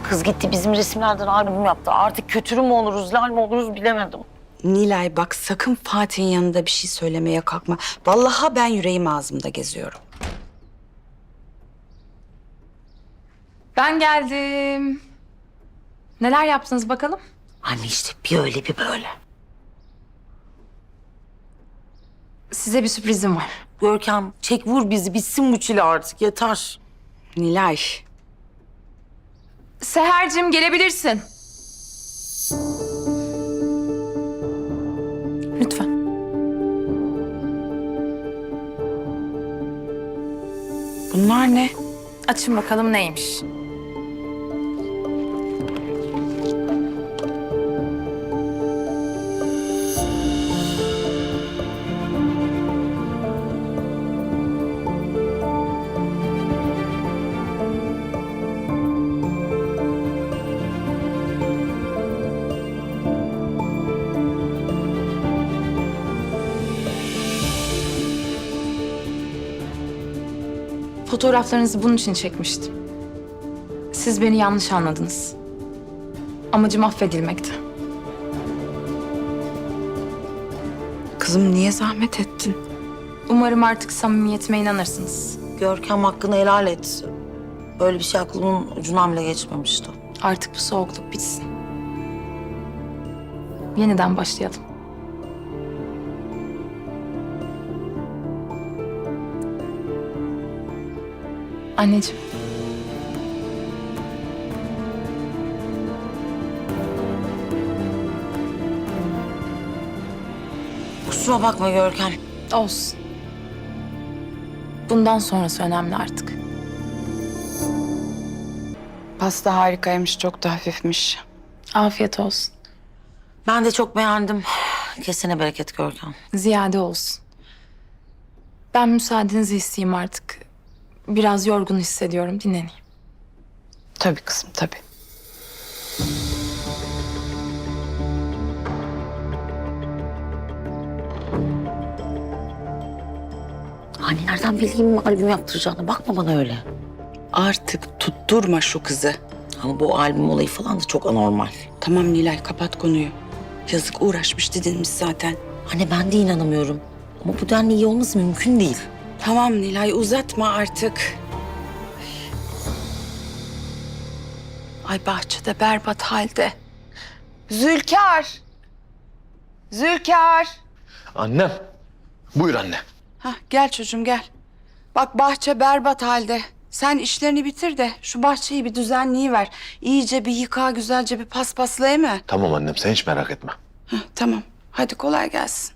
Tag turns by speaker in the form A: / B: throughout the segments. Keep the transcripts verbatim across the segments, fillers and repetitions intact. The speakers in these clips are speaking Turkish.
A: Kız gitti bizim resimlerden albüm yaptı. Artık kötürü mü oluruz, lal mi oluruz bilemedim.
B: Nilay bak sakın Fatih'in yanında bir şey söylemeye kalkma. Vallahi ben yüreğim ağzımda geziyorum.
C: Ben geldim. Neler yaptınız bakalım?
A: Anne işte bir öyle bir böyle.
C: Size bir sürprizim var.
A: Görkem çek vur bizi bitsin bu çile artık yeter.
B: Nilay.
C: Seher'cim gelebilirsin. Lütfen.
B: Bunlar ne?
C: Açın bakalım neymiş. Fotoğraflarınızı bunun için çekmiştim. Siz beni yanlış anladınız. Amacım affedilmekti.
B: Kızım niye zahmet ettin?
C: Umarım artık samimiyetime inanırsınız.
A: Görkem hakkını helal et. Böyle bir şey aklımın ucundan bile geçmemişti.
C: Artık bu soğukluk bitsin. Yeniden başlayalım. Anneciğim.
A: Kusura bakma Görkem.
C: Olsun. Bundan sonrası önemli artık.
B: Pasta harikaymış, çok da hafifmiş.
C: Afiyet olsun.
A: Ben de çok beğendim. Kesene bereket Görkem.
C: Ziyade olsun. Ben müsaadenizi isteyeyim artık. Biraz yorgun hissediyorum. Dinleneyim.
B: Tabii kızım, tabii.
A: Anne nereden bileyim albüm yaptıracağını? Bakma bana öyle.
B: Artık tutturma şu kızı.
A: Ama bu albüm olayı falan da çok anormal.
B: Tamam Nilay, kapat konuyu. Yazık, uğraşmış didinmiş zaten.
A: Anne ben de inanamıyorum. Ama bu denli iyi olması mümkün değil.
B: Tamam Nilay, uzatma artık. Ay bahçede berbat halde. Zülkar! Zülkar!
D: Annem. Buyur anne.
B: Hah, gel çocuğum gel. Bak bahçe berbat halde. Sen işlerini bitir de şu bahçeyi bir düzenleyiver. İyice bir yıka, güzelce bir paspaslayı mı?
D: Tamam annem, sen hiç merak etme.
B: Hah, tamam. Hadi kolay gelsin.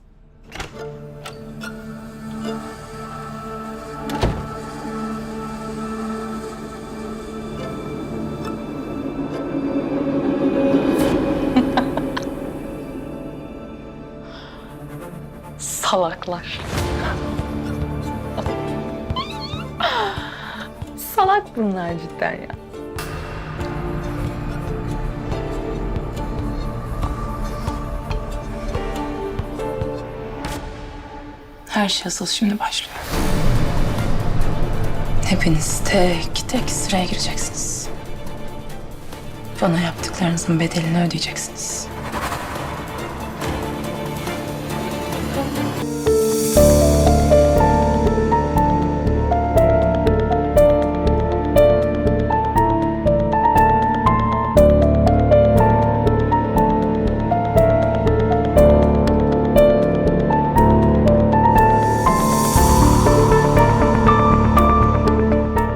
C: Salaklar. Salak bunlar cidden ya. Her şey asıl şimdi başlıyor. Hepiniz tek tek sıraya gireceksiniz. Bana yaptıklarınızın bedelini ödeyeceksiniz.